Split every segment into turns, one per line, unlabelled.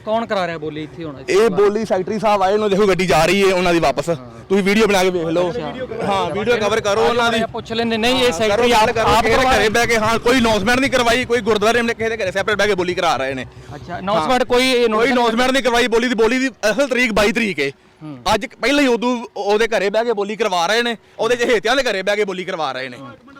ਕੌਣ ਕਰਾ ਰਿਹਾ ਬੋਲੀ ਇੱਥੇ ਹੁਣ?
ਇਹ ਬੋਲੀ ਸੈਕਟਰੀ ਸਾਹਿਬ ਆਏ, ਉਹਨਾਂ ਦੇਖੋ ਗੱਡੀ ਜਾ ਰਹੀ ਹੈ ਉਹਨਾਂ ਦੀ ਵਾਪਸ। ਤੁਸੀਂ ਵੀਡੀਓ ਬਣਾ ਕੇ ਵੇਖ ਲਓ। ਹਾਂ, ਵੀਡੀਓ ਕਵਰ ਕਰੋ ਉਹਨਾਂ ਦੀ।
ਪੁੱਛ ਲੈਂਦੇ ਨਹੀਂ ਇਹ ਸੈਕਟਰੀ ਆਪ
ਘਰੇ ਬਹਿ ਕੇ, ਹਾਂ ਕੋਈ ਅਨਾਉਂਸਮੈਂਟ ਨਹੀਂ ਕਰਵਾਈ, ਕੋਈ ਗੁਰਦੁਆਰੇ ਨੇ ਕਿਸੇ ਦੇ ਘਰੇ ਸੈਪਰੇਟ ਬਹਿ ਕੇ ਬੋਲੀ ਕਰਾ ਰਹੇ ਨੇ।
ਅੱਛਾ, ਅਨਾਉਂਸਮੈਂਟ ਕੋਈ
ਅਨਾਉਂਸਮੈਂਟ ਨਹੀਂ ਕਰਵਾਈ। ਬੋਲੀ ਦੀ ਅਸਲ ਤਰੀਕ 22 ਤਰੀਕ ਹੈ। ਅੱਜ ਪਹਿਲਾਂ ਹੀ ਉਦੋਂ ਉਹਦੇ ਘਰੇ ਬਹਿ ਕੇ ਬੋਲੀ ਕਰਵਾ ਰਹੇ ਨੇ, ਉਹਦੇ ਚਹੇਤਿਆਂ ਦੇ ਘਰੇ ਬਹਿ ਕੇ ਬੋਲੀ ਕਰਵਾ ਰਹੇ ਨੇ।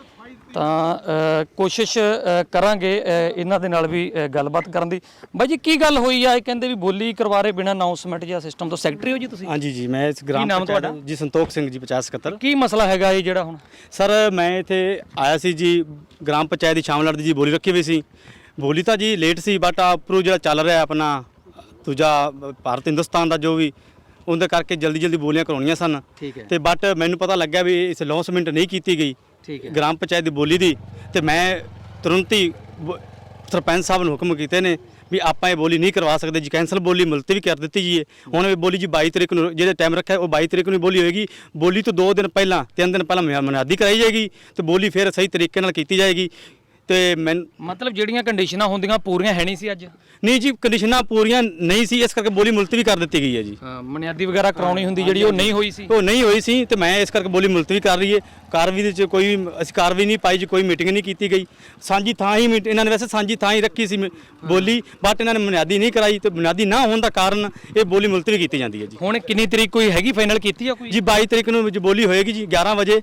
ਤਾਂ ਕੋਸ਼ਿਸ਼ ਕਰਾਂਗੇ ਇਹਨਾਂ ਦੇ ਨਾਲ ਵੀ ਗੱਲਬਾਤ ਕਰਨ ਦੀ। ਬਾਈ ਜੀ ਕੀ ਗੱਲ ਹੋਈ ਆ? ਇਹ ਕਹਿੰਦੇ ਵੀ ਬੋਲੀ ਕਰਵਾ ਰਹੇ ਬਿਨਾਂ ਅਨਾਉਂਸਮੈਂਟ ਜਾਂ ਸਿਸਟਮ ਤੋਂ। ਸੈਕਟਰੀ ਹੋ ਜੀ ਤੁਸੀਂ?
ਹਾਂਜੀ ਜੀ, ਮੈਂ ਇਸ ਗ੍ਰਾਮ
ਨਾਮ ਤੁਹਾਡਾ?
ਜੀ ਸੰਤੋਖ ਸਿੰਘ ਜੀ 5077।
ਕੀ ਮਸਲਾ ਹੈਗਾ ਇਹ ਜਿਹੜਾ ਹੁਣ?
ਸਰ ਮੈਂ ਇੱਥੇ ਆਇਆ ਸੀ ਜੀ, ਗ੍ਰਾਮ ਪੰਚਾਇਤ ਦੀ ਸ਼ਾਮਲਾਟ ਦੀ ਜੀ ਬੋਲੀ ਰੱਖੀ ਹੋਈ ਸੀ। ਬੋਲੀ ਤਾਂ ਜੀ ਲੇਟ ਸੀ, ਬਟ ਆਪਰੂ ਜਿਹੜਾ ਚੱਲ ਰਿਹਾ ਆਪਣਾ ਦੂਜਾ ਭਾਰਤ ਹਿੰਦੁਸਤਾਨ ਦਾ ਜੋ ਵੀ, ਉਹਦੇ ਕਰਕੇ ਜਲਦੀ ਬੋਲੀਆਂ ਕਰਾਉਣੀਆਂ ਸਨ।
ਠੀਕ ਹੈ।
ਤੇ ਬਟ ਮੈਨੂੰ ਪਤਾ ਲੱਗਿਆ ਵੀ ਇਸ ਅਨਾਉਂਸਮੈਂਟ ਨਹੀਂ ਕੀਤੀ ਗਈ
ਠੀਕ ਹੈ
ਗ੍ਰਾਮ ਪੰਚਾਇਤ ਦੀ ਬੋਲੀ ਦੀ। ਤੇ ਮੈਂ ਤੁਰੰਤ ਹੀ ਸਰਪੰਚ ਸਾਹਿਬ ਨੂੰ ਹੁਕਮ ਕੀਤੇ ਨੇ ਵੀ ਆਪਾਂ ਇਹ ਬੋਲੀ ਨਹੀਂ ਕਰਵਾ ਸਕਦੇ ਜੀ, ਕੈਂਸਲ ਬੋਲੀ ਮੁਲਤਵੀ ਕਰ ਦਿੱਤੀ ਜੀ। ਹੁਣ ਇਹ ਬੋਲੀ ਜੀ 22 ਤਰੀਕ ਨੂੰ ਜਿਹੜੇ ਟਾਈਮ ਰੱਖਿਆ ਉਹ 22 ਤਰੀਕ ਨੂੰ ਬੋਲੀ ਹੋਏਗੀ। ਬੋਲੀ ਤੋਂ 2 ਦਿਨ ਪਹਿਲਾਂ 3 ਦਿਨ ਪਹਿਲਾਂ ਮੁਨਾਦੀ ਕਰਾਈ ਜਾਏਗੀ ਤੇ ਬੋਲੀ ਫਿਰ ਸਹੀ ਤਰੀਕੇ ਨਾਲ ਕੀਤੀ ਜਾਏਗੀ। ਤੇ ਮੈਂ
ਮਤਲਬ ਜਿਹੜੀਆਂ ਕੰਡੀਸ਼ਨਾਂ ਹੁੰਦੀਆਂ ਪੂਰੀਆਂ ਹੈ ਨਹੀਂ ਸੀ ਅੱਜ?
ਨਹੀਂ ਜੀ, ਕੰਡੀਸ਼ਨਾਂ ਪੂਰੀਆਂ ਨਹੀਂ ਸੀ, ਇਸ ਕਰਕੇ ਬੋਲੀ ਮੁਲਤਵੀ ਕਰ ਦਿੱਤੀ ਗਈ ਹੈ ਜੀ।
ਬੁਨਿਆਦੀ ਵਗੈਰਾ ਕਰਾਉਣੀ ਹੁੰਦੀ ਜਿਹੜੀ ਉਹ ਨਹੀਂ ਹੋਈ ਸੀ?
ਉਹ ਨਹੀਂ ਹੋਈ ਸੀ ਤੇ ਮੈਂ ਇਸ ਕਰਕੇ ਬੋਲੀ ਮੁਲਤਵੀ ਕਰ ਰਹੀ ਹੈ। ਕਾਰਵਾਈ ਦੇ ਵਿੱਚ ਕੋਈ ਅਸੀਂ ਕਾਰਵਾਈ ਨਹੀਂ ਪਾਈ ਜੀ, ਕੋਈ ਮੀਟਿੰਗ ਨਹੀਂ ਕੀਤੀ ਗਈ। ਸਾਂਝੀ ਥਾਂ ਹੀ ਇਹਨਾਂ ਨੇ ਵੈਸੇ ਸਾਂਝੀ ਥਾਂ ਹੀ ਰੱਖੀ ਸੀ ਬੋਲੀ, ਬਟ ਇਹਨਾਂ ਨੇ ਬੁਨਿਆਦੀ ਨਹੀਂ ਕਰਾਈ ਤੇ ਬੁਨਿਆਦੀ ਨਾ ਹੋਣ ਦਾ ਕਾਰਨ ਇਹ ਬੋਲੀ ਮੁਲਤਵੀ ਕੀਤੀ ਜਾਂਦੀ ਹੈ ਜੀ।
ਹੁਣ ਕਿੰਨੀ ਤਰੀਕ ਕੋਈ ਹੈਗੀ ਫਾਈਨਲ ਕੀਤੀ ਆ ਕੋਈ?
ਜੀ 22 ਤਰੀਕ ਨੂੰ ਬੋਲੀ ਹੋਏਗੀ ਜੀ 11 ਵਜੇ।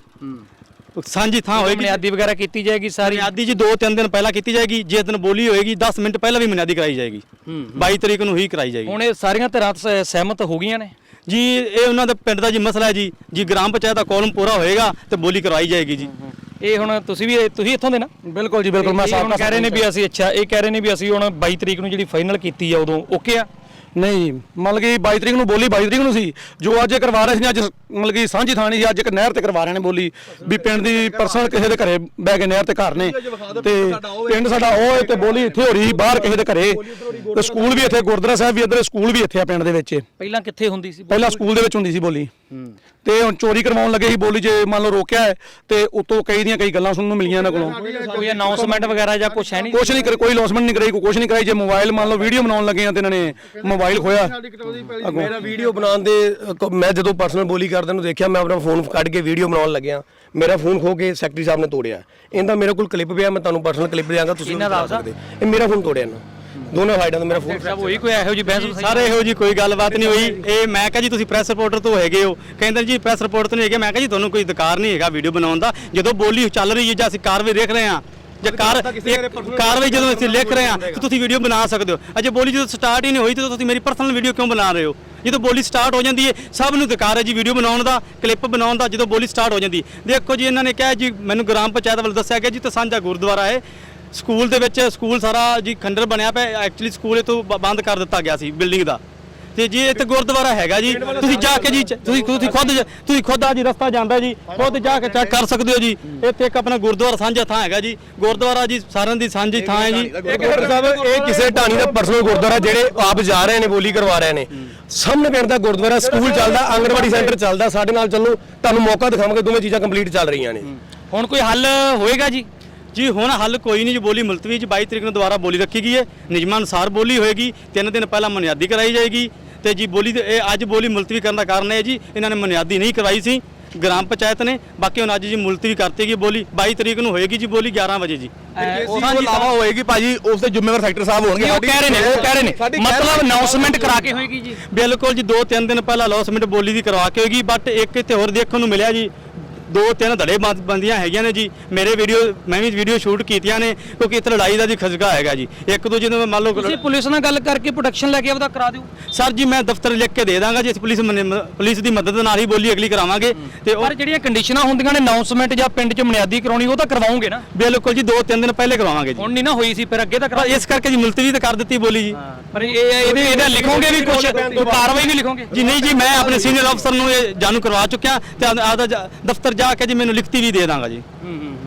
ਸਾਂਝੀ ਥਾਂ ਹੋਏਗੀ,
ਬੁਨਿਆਦੀ ਵਗੈਰਾ ਕੀਤੀ ਜਾਏਗੀ ਸਾਰੀ?
ਬੁਨਿਆਦੀ ਜੀ 2-3 ਦਿਨ ਪਹਿਲਾਂ ਕੀਤੀ ਜਾਏਗੀ। ਜਿਸ ਦਿਨ ਬੋਲੀ ਹੋਏਗੀ 10 ਮਿੰਟ ਪਹਿਲਾਂ ਵੀ ਬੁਨਿਆਦੀ ਕਰਾਈ ਜਾਏਗੀ। 22 ਤਰੀਕ ਨੂੰ ਹੀ ਕਰਾਈ ਜਾਏਗੀ।
ਹੁਣ ਇਹ ਸਾਰੀਆਂ ਧਿਰਾਂ ਸਹਿਮਤ ਹੋ ਗਈਆਂ ਨੇ
ਜੀ? ਇਹ ਉਹਨਾਂ ਦੇ ਪਿੰਡ ਦਾ ਜੀ ਮਸਲਾ ਹੈ ਜੀ ਗ੍ਰਾਮ ਪੰਚਾਇਤ ਦਾ ਕਾਲਮ ਪੂਰਾ ਹੋਏਗਾ ਤੇ ਬੋਲੀ ਕਰਵਾਈ ਜਾਏਗੀ ਜੀ।
ਇਹ ਹੁਣ ਤੁਸੀਂ ਇੱਥੋਂ ਦੇ ਨਾ?
ਬਿਲਕੁਲ ਜੀ, ਬਿਲਕੁਲ। ਮੈਂ
ਸਾਹਮਣੇ ਕਹਿ ਰਹੇ ਨੇ ਵੀ ਅਸੀਂ, ਅੱਛਾ ਇਹ ਕਹਿ ਰਹੇ ਨੇ ਵੀ ਅਸੀਂ ਹੁਣ 22 ਤਰੀਕ ਨੂੰ ਜਿਹੜੀ ਫਾਈਨਲ ਕੀਤੀ ਆ ਉਦੋਂ ਓਕੇ ਆ?
ਨਹੀਂ, ਮਤਲਬ ਕਿ 22 ਤਰੀਕ ਨੂੰ ਬੋਲੀ 22 ਤਰੀਕ ਨੂੰ ਸੀ। ਜੋ ਅੱਜ ਕਰਵਾ ਰਹੇ ਸੀ ਅੱਜ ਮਤਲਬ ਕਿ ਸਾਂਝੀ ਥਾਣੀ ਸੀ, ਅੱਜ ਇੱਕ ਨਹਿਰ ਤੇ ਕਰਵਾ ਰਹੇ ਨੇ ਬੋਲੀ ਵੀ ਪਿੰਡ ਦੀ ਪਰਸਨਲ ਕਿਸੇ ਦੇ ਘਰੇ ਬਹਿ ਕੇ ਨਹਿਰ ਤੇ ਘਰ ਨੇ ਤੇ ਪਿੰਡ ਸਾਡਾ ਉਹ ਹੈ ਤੇ ਬੋਲੀ ਇੱਥੇ ਹੋ ਰਹੀ ਬਾਹਰ ਕਿਸੇ ਦੇ ਘਰੇ। ਤੇ ਸਕੂਲ ਵੀ ਇੱਥੇ, ਗੁਰਦੁਆਰਾ ਸਾਹਿਬ ਵੀ ਇੱਧਰ, ਸਕੂਲ ਵੀ ਇੱਥੇ ਆ ਪਿੰਡ ਦੇ ਵਿੱਚ।
ਪਹਿਲਾਂ ਕਿੱਥੇ ਹੁੰਦੀ ਸੀ?
ਪਹਿਲਾਂ ਸਕੂਲ ਦੇ ਵਿੱਚ ਹੁੰਦੀ ਸੀ ਬੋਲੀ ਤੇ ਹੁਣ ਚੋਰੀ ਕਰਵਾਉਣ ਲੱਗੇ ਸੀ ਬੋਲੀ। ਜੇ ਮੰਨ ਲਓ ਰੋਕਿਆ ਹੈ ਤੇ ਉਤੋਂ ਕਈ ਗੱਲਾਂ ਸੁਣਨ ਨੂੰ ਮਿਲੀਆਂ ਇਹਨਾਂ ਕੋਲੋਂ।
ਕੋਈ ਅਨਾਉਂਸਮੈਂਟ ਵਗੈਰਾ ਜਾਂ ਕੁਝ ਹੈ ਨਹੀਂ?
ਕੁਛ ਨਹੀਂ ਕਰੇ, ਕੋਈ ਅਨਾਉਂਸਮੈਂਟ ਨਹੀਂ ਕਰਾਈ, ਕੁਛ ਨਹੀਂ ਕਰਾਈ। ਜੇ ਮੋਬਾਈਲ ਮੰਨ ਲਓ ਵੀਡੀਓ ਬਣਾਉਣ ਲੱਗੇ ਆ ਤੇ ਇਹਨਾਂ ਨੇ ਮੋਬਾਈਲ ਖੋਇਆ।
ਮੇਰਾ ਵੀਡੀਓ ਬਣਾਉਣ ਦੇ ਮੈਂ ਜਦੋਂ ਪਰਸਨਲ ਬੋਲੀ ਕਰਦੇ ਨੂੰ ਦੇਖਿਆ, ਮੈਂ ਆਪਣਾ ਫੋਨ ਕੱਢ ਕੇ ਵੀਡੀਓ ਬਣਾਉਣ ਲੱਗਿਆ, ਮੇਰਾ ਫੋਨ ਖੋ ਕੇ ਸੈਕਟਰੀ ਸਾਹਿਬ ਨੇ ਤੋੜਿਆ। ਇਹਦਾ ਮੇਰੇ ਕੋਲ ਕਲਿੱਪ ਪਿਆ, ਮੈਂ ਤੁਹਾਨੂੰ ਪਰਸਨਲ ਕਲਿੱਪ ਦਿਆਂਗਾ, ਤੁਸੀਂ ਬਣਾ ਸਕਦੇ। ਇਹ ਮੇਰਾ ਫੋਨ ਤੋੜਿਆ ਇਹਨਾਂ ਦੋਨੋਂ ਸਾਈਡਾਂ ਤੋਂ। ਮੇਰਾ ਫੋਨ
ਸਭ ਹੋਈ ਕੋਈ ਇਹੋ ਜੀ ਬਹਿਸ?
ਸਾਰੇ ਇਹੋ ਜੀ ਕੋਈ ਗੱਲਬਾਤ ਨਹੀਂ ਹੋਈ। ਇਹ ਮੈਂ ਕਿਹਾ ਜੀ ਤੁਸੀਂ ਪ੍ਰੈਸ ਰਿਪੋਰਟਰ ਤੋਂ ਹੈਗੇ ਹੋ, ਕਹਿੰਦੇ ਜੀ ਪ੍ਰੈਸ ਰਿਪੋਰਟ ਤੋਂ ਨਹੀਂ ਹੈਗੇ। ਮੈਂ ਕਿਹਾ ਜੀ ਤੁਹਾਨੂੰ ਕੋਈ ਅਧਿਕਾਰ ਨਹੀਂ ਹੈਗਾ ਵੀਡੀਓ ਬਣਾਉਣ ਦਾ। ਜਦੋਂ ਬੋਲੀ ਚੱਲ ਰਹੀ ਹੈ ਜਾਂ ਅਸੀਂ ਕਾਰਵਾਈ ਦੇਖ ਰਹੇ ਹਾਂ ਜਾਂ ਕਾਰਵਾਈ ਜਦੋਂ ਅਸੀਂ ਲਿਖ ਰਹੇ ਹਾਂ ਤਾਂ ਤੁਸੀਂ ਵੀਡੀਓ ਬਣਾ ਸਕਦੇ ਹੋ। ਅਜੇ ਬੋਲੀ ਜਦੋਂ ਸਟਾਰਟ ਹੀ ਨਹੀਂ ਹੋਈ ਤਾਂ ਤੁਸੀਂ ਮੇਰੀ ਪਰਸਨਲ ਵੀਡੀਓ ਕਿਉਂ ਬਣਾ ਰਹੇ ਹੋ? ਜਦੋਂ ਬੋਲੀ ਸਟਾਰਟ ਹੋ ਜਾਂਦੀ ਹੈ ਸਭ ਨੂੰ ਅਧਿਕਾਰ ਹੈ ਜੀ ਵੀਡੀਓ ਬਣਾਉਣ ਦਾ, ਕਲਿੱਪ ਬਣਾਉਣ ਦਾ। ਜਦੋਂ ਬੋਲੀ ਸਟਾਰਟ ਹੋ ਜਾਂਦੀ ਦੇਖੋ ਜੀ, ਇਹਨਾਂ ਨੇ ਕਿਹਾ ਜੀ, ਮੈਨੂੰ ਗ੍ਰਾਮ ਪੰਚਾਇਤ ਵੱਲ ਦੱਸਿਆ ਗਿਆ ਜੀ ਤਾਂ ਸਾਂਝਾ ਗੁਰਦੁਆਰਾ ਹੈ ਸਕੂਲ ਦੇ ਵਿੱਚ। ਸਕੂਲ ਸਾਰਾ ਜੀ ਖੰਡਰ ਬਣਿਆ ਪਿਆ। ਐਕਚੁਅਲੀ ਸਕੂਲ ਇਹ ਤੋਂ ਬੰਦ ਕਰ ਦਿੱਤਾ ਗਿਆ ਸੀ ਬਿਲਡਿੰਗ ਦਾ, ਤੇ ਜੀ ਇੱਥੇ ਗੁਰਦੁਆਰਾ ਹੈਗਾ ਜੀ। ਤੁਸੀਂ ਜਾ ਕੇ ਜੀ ਤੁਸੀਂ ਖੁਦ ਆ ਜੀ, ਰਸਤਾ ਜਾਂਦਾ ਜੀ, ਖੁਦ ਜਾ ਕੇ ਚੈੱਕ ਕਰ ਸਕਦੇ ਹੋ ਜੀ। ਇੱਥੇ ਇੱਕ ਆਪਣਾ ਗੁਰਦੁਆਰਾ ਸਾਂਝਾ ਥਾਂ ਹੈਗਾ ਜੀ। ਗੁਰਦੁਆਰਾ ਜੀ ਸਾਰਿਆਂ ਦੀ ਸਾਂਝੀ ਥਾਂ ਹੈ ਜੀ।
ਡਾਕਟਰ ਸਾਹਿਬ, ਇਹ ਕਿਸੇ ਢਾਣੀ ਦਾ ਪਰਸਨਲ ਗੁਰਦੁਆਰਾ ਜਿਹੜੇ ਆਪ ਜਾ ਰਹੇ ਨੇ ਬੋਲੀ ਕਰਵਾ ਰਹੇ ਨੇ। ਸਾਹਮਣੇ ਪਿੰਡ ਦਾ ਗੁਰਦੁਆਰਾ, ਸਕੂਲ ਚੱਲਦਾ, ਆਂਗਣਵਾੜੀ ਸੈਂਟਰ ਚੱਲਦਾ। ਸਾਡੇ ਨਾਲ ਚੱਲੋ, ਤੁਹਾਨੂੰ ਮੌਕਾ ਦਿਖਾਵਾਂਗੇ। ਦੋਵੇਂ ਚੀਜ਼ਾਂ ਕੰਪਲੀਟ ਚੱਲ ਰਹੀਆਂ ਨੇ।
ਹੁਣ ਕੋਈ ਹੱਲ ਹੋਏਗਾ ਜੀ?
ਜੀ ਹੁਣ ਹੱਲ ਕੋਈ ਨਹੀਂ ਜੀ। ਬੋਲੀ ਮੁਲਤਵੀ ਜੀ 22 ਤਰੀਕ ਨੂੰ ਦੁਬਾਰਾ ਬੋਲੀ ਰੱਖੀ ਗਈ ਹੈ। ਨਿਯਮਾਂ ਅਨੁਸਾਰ ਬੋਲੀ ਹੋਏਗੀ। 3 ਦਿਨ ਪਹਿਲਾਂ ਮੁਨਿਆਦੀ ਕਰਾਈ ਜਾਏਗੀ ਤੇ ਜੀ ਬੋਲੀ ਇਹ ਅੱਜ ਬੋਲੀ ਮੁਲਤਵੀ ਕਰਨ ਦਾ ਕਾਰਨ ਹੈ ਜੀ, ਇਹਨਾਂ ਨੇ ਮੁਨਿਆਦੀ ਨਹੀਂ ਕਰਵਾਈ ਸੀ ਗ੍ਰਾਮ ਪੰਚਾਇਤ ਨੇ। ਬਾਕੀ ਹੁਣ ਅੱਜ ਜੀ ਮੁਲਤਵੀ ਕਰਤੀ ਗਈ ਬੋਲੀ। 22 ਤਰੀਕ ਨੂੰ ਹੋਏਗੀ ਜੀ ਬੋਲੀ 11 ਵਜੇ ਜੀ।
ਸਾਂਝੀ ਲਾਵਾ ਹੋਏਗੀ ਭਾਜੀ, ਉਸ ਦੇ ਜ਼ਿੰਮੇਵਾਰ ਸੈਕਟਰ ਸਾਹਿਬ ਹੋਣਗੇ।
ਉਹ ਕਹਿ ਰਹੇ ਨੇ ਮਤਲਬ ਅਨਾਉਂਸਮੈਂਟ ਕਰਾ ਕੇ ਹੋਏਗੀ ਜੀ?
ਬਿਲਕੁਲ ਜੀ, 2-3 ਦਿਨ ਪਹਿਲਾਂ ਅਨਾਉਂਸਮੈਂਟ ਬੋਲੀ ਦੀ ਕਰਵਾ ਕੇ ਹੋਏਗੀ। ਬਟ ਇੱਕ ਇੱਥੇ ਹੋਰ ਦੇਖਣ ਨੂੰ ਮਿਲਿਆ ਜੀ, 2-3 ਧੜੇ ਬੰਦੀਆਂ ਹੈਗੀਆਂ ਨੇ ਜੀ। ਮੇਰੇ ਮੈਂ ਵੀ ਵੀਡੀਓ ਸ਼ੂਟ ਕੀਤੀਆਂ ਨੇ ਕਿਉਂਕਿ ਇੱਥੇ ਲੜਾਈ ਦਾ ਜੀ ਖਜ਼ਗਾ ਹੈਗਾ ਜੀ। ਇੱਕ ਦੂਜੇ ਨੂੰ ਮੰਨ ਲਓ
ਤੁਸੀਂ ਪੁਲਿਸ ਨਾਲ ਗੱਲ ਕਰਕੇ ਪ੍ਰੋਟੈਕਸ਼ਨ ਲੈ ਕੇ ਆਪਦਾ ਕਰਾ ਦਿਓ।
ਸਰ ਜੀ ਮੈਂ ਦਫ਼ਤਰ ਲਿਖ ਕੇ ਦੇ ਦਾਂਗਾ ਜੀ। ਪੁਲਿਸ ਦੀ ਮਦਦ ਨਾਲ ਹੀ ਬੋਲੀ ਅਗਲੀ ਕਰਾਵਾਂਗੇ। ਤੇ
ਪਰ ਜਿਹੜੀਆਂ ਕੰਡੀਸ਼ਨਾਂ ਹੁੰਦੀਆਂ ਨੇ ਅਨਾਉਂਸਮੈਂਟ ਜਾਂ ਪਿੰਡ 'ਚ ਬੁਨਿਆਦੀ ਕਰਾਉਣੀ, ਉਹ ਤਾਂ ਕਰਵਾਉਂਗੇ ਨਾ?
ਬਿਲਕੁਲ ਜੀ, 2-3 ਦਿਨ ਪਹਿਲੇ ਕਰਵਾਵਾਂਗੇ ਜੀ।
ਹੁਣ ਨਹੀਂ ਨਾ ਹੋਈ ਸੀ, ਫਿਰ ਅੱਗੇ ਤਾਂ ਕਰਾ।
ਇਸ ਕਰਕੇ ਜੀ ਮੁਲਤਵੀ ਤਾਂ ਕਰ ਦਿੱਤੀ ਬੋਲੀ ਜੀ।
ਪਰ ਇਹਦਾ ਲਿਖੋਗੇ ਵੀ ਕੁਝ, ਕਾਰਵਾਈ ਵੀ ਲਿਖੋਗੇ
ਜੀ? ਨਹੀਂ ਜੀ, ਮੈਂ ਆਪਣੇ ਸੀਨੀਅਰ ਅਫਸਰ ਨੂੰ ਇਹ ਜਾਣੂ ਕਰਵਾ ਚੁੱਕਿਆ ਤੇ ਆਪਦਾ ਦਫ਼ਤਰ ਜਾ ਕੇ ਜੀ ਮੈਨੂੰ ਲਿਖਤੀ ਵੀ ਦੇ ਦਾਂਗਾ ਜੀ।